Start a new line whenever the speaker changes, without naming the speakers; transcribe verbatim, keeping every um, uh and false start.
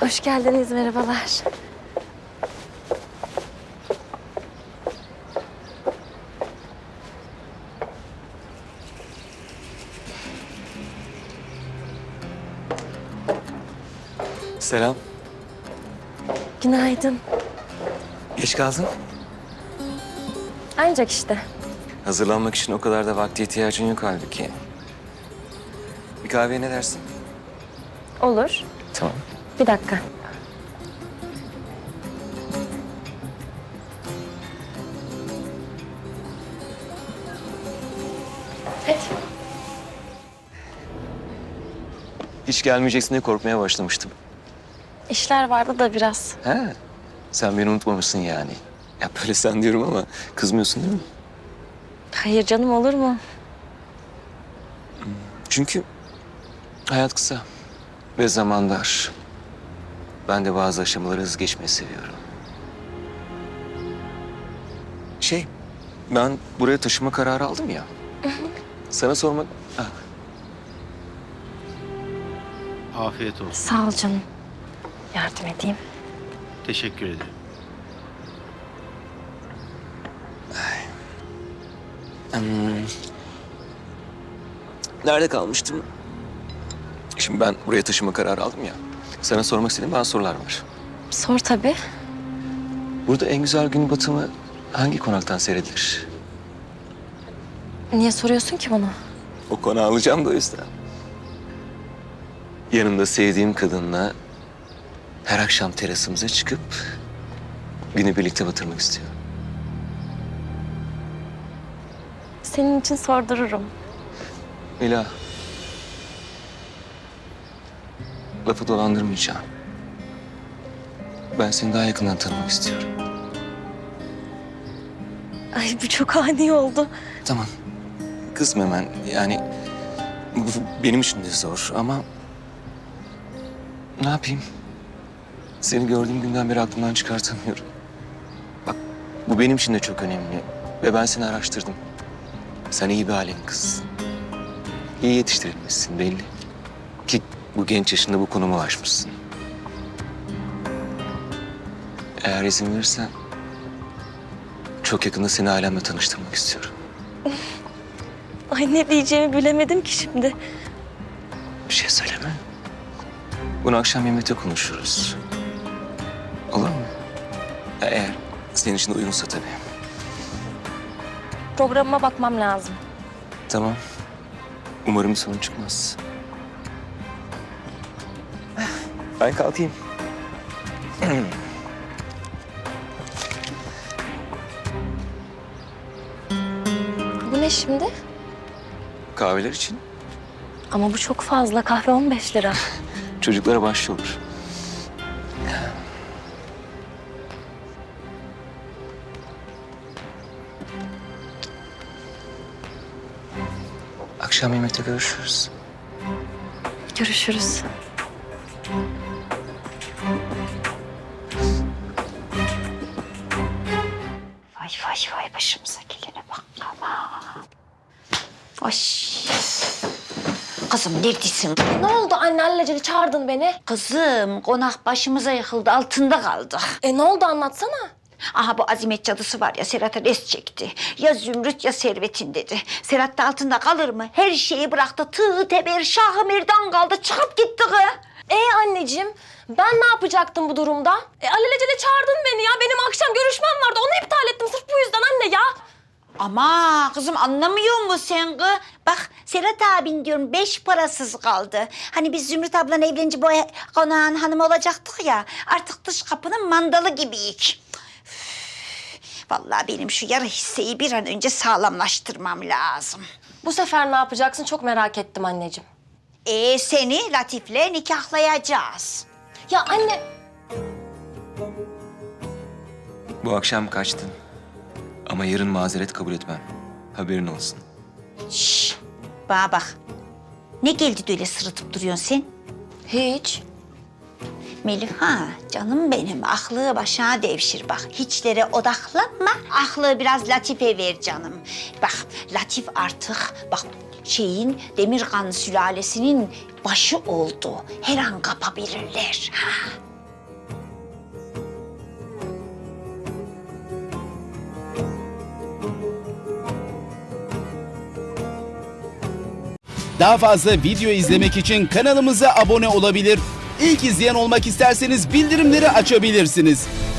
Hoş geldiniz, merhabalar.
Selam.
Günaydın.
Geç kaldın.
Ancak işte.
Hazırlanmak için o kadar da vakte ihtiyacın yok halbuki. Bir kahveye ne dersin?
Olur.
Tamam.
Bir dakika. Hadi.
Hiç gelmeyeceksin diye korkmaya başlamıştım.
İşler vardı da biraz.
He. Sen beni unutmamışsın yani. Ya böyle sen diyorum ama kızmıyorsun değil mi?
Hayır canım, olur mu?
Çünkü hayat kısa ve zaman dar. Ben de bazı aşamaları hızlı geçmeyi seviyorum. Şey, ben buraya taşıma kararı aldım ya. Sana sormak... Ah,
Afiyet olsun.
Sağ ol canım. Yardım edeyim.
Teşekkür ederim.
hmm. Nerede kalmıştım? Şimdi ben buraya taşıma kararı aldım ya. Sana sormak istediğim bazı sorular var.
Sor tabii.
Burada en güzel gün batımı hangi konaktan seyredilir?
Niye soruyorsun ki bunu?
O konağı alacağım da o yüzden. Yanımda sevdiğim kadınla her akşam terasımıza çıkıp günü birlikte batırmak istiyorum.
Senin için sordururum.
Mila. Lafı dolandırmayacağım. Ben seni daha yakından tanımak istiyorum.
Ay bu çok ani oldu.
Tamam. Kızma hemen. Yani bu benim için de zor ama ne yapayım? Seni gördüğüm günden beri aklımdan çıkartamıyorum. Bak bu benim için de çok önemli ve ben seni araştırdım. Sen iyi bir ailenin kızısın. İyi yetiştirilmişsin belli. Ki bu genç yaşında bu konuma ulaşmışsın. Eğer izin verirsen çok yakında seni ailemle tanıştırmak istiyorum.
Ay ne diyeceğimi bilemedim ki şimdi.
Bir şey söyleme. Bunu akşam yemekte konuşuruz. Olur mu? Ya eğer senin için de uygunsa tabii.
Programıma bakmam lazım.
Tamam. Umarım bir sorun çıkmaz. Ben kalkayım.
Bu ne şimdi?
Kahveler için
Ama bu çok fazla. Kahve on beş lira.
çocuklara bahşiş olur. Akşam yemekte görüşürüz.
Görüşürüz.
Vay vay vay başımıza gelene bak ama. Ay. Kızım neredesin?
Ne oldu anne, alelacele çağırdın beni?
Kızım konak başımıza yıkıldı, altında kaldı.
E ne oldu, anlatsana.
Aha bu Azimet cadısı var ya, Serhat'a res çekti. Ya Zümrüt ya Servet'in dedi. Serhat da altında kalır mı? Her şeyi bıraktı. Tığ, teber, şahı merdan kaldı. Çıkıp gitti kız.
E anneciğim, ben ne yapacaktım bu durumda? E alelacele çağırdın beni ya. Benim akşam görüşmem vardı. Onu iptal ettim sırf bu yüzden anne ya.
Ama kızım anlamıyor musun sen kız? Bak Serhat abin diyorum beş parasız kaldı. Hani biz Zümrüt ablanla evlenince bu konağın hanımı olacaktık ya. Artık dış kapının mandalı gibiyik. Üf, vallahi benim şu yarı hisseyi bir an önce sağlamlaştırmam lazım.
Bu sefer ne yapacaksın çok merak ettim anneciğim.
Ee seni Latif'le nikahlayacağız.
Ya anne...
Bu akşam kaçtın. Ama yarın mazeret kabul etmem. Haberin olsun.
Şşş bana bak. Ne geldi de öyle sırıtıp duruyorsun sen?
Hiç.
Meliha, canım benim. Aklı başına devşir bak. Hiçlere odaklanma. Aklı biraz Latif'e ver canım. Bak, Latif artık bak şeyin Demirkan sülalesinin başı oldu. Her an kapabilirler. Ha.
Daha fazla video izlemek için kanalımıza abone olabilir. İlk izleyen olmak isterseniz bildirimleri açabilirsiniz.